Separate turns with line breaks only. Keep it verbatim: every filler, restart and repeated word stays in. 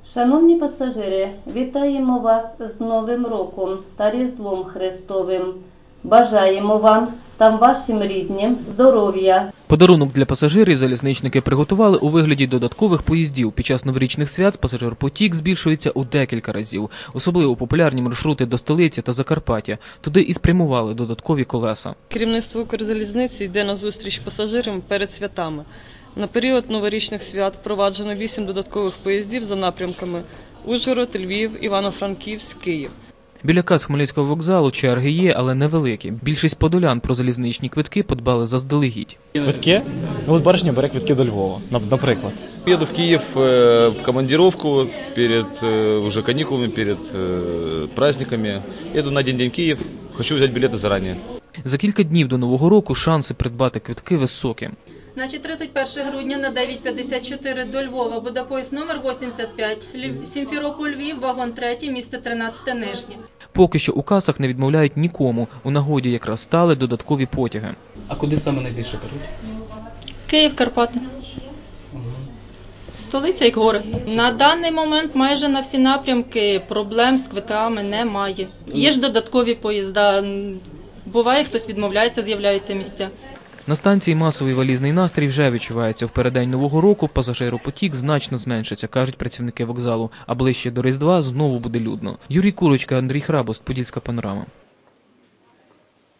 Шановні пасажири, вітаємо вас з Новим роком та Різдвом Христовим. Бажаємо вам та вашим рідним здоров'я.
Подарунок для пасажирів залізничники приготували у вигляді додаткових поїздів. Під час новорічних свят пасажирпотік збільшується у декілька разів. Особливо популярні маршрути до столиці та Закарпаття. Туди і спрямували додаткові колеса.
Керівництво Укрзалізниці йде на зустріч пасажирам перед святами. На період новорічних свят впроваджено вісім додаткових поїздів за напрямками Ужгород, Львів, Івано-Франківськ, Київ.
Біля кас Хмельницького вокзалу черги є, але невеликі. Більшість подолян про залізничні квитки подбали заздалегідь.
Квитки? Ну от барышня бере квитки до Львова, наприклад.
Еду в Киев в командировку перед уже каникулами, перед праздниками. Еду на день-день в Киев, хочу взять билеты заранее.
За кілька днів до Нового року шанси придбати квитки високі.
Значить, тридцять першого грудня на дев'ять п'ятдесят чотири до Львова буде поїзд номер вісімдесят п'ять, Сімферополь, Львів, вагон третій, місце тринадцяте, Нижнє.
Поки що у касах не відмовляють нікому. У нагоді якраз стали додаткові потяги.
А куди саме найбільше беруть?
Київ, Карпати. Столиця як гори. На даний момент майже на всі напрямки проблем з квитками немає. Є ж додаткові поїзда. Буває, хтось відмовляється, з'являються місця.
На станції масовий валізний настрій вже відчувається. В переддень Нового року пасажиропотік значно зменшиться, кажуть працівники вокзалу. А ближче до Різдва знову буде людно. Юрій Курочка, Андрій Храбост, Подільська панорама.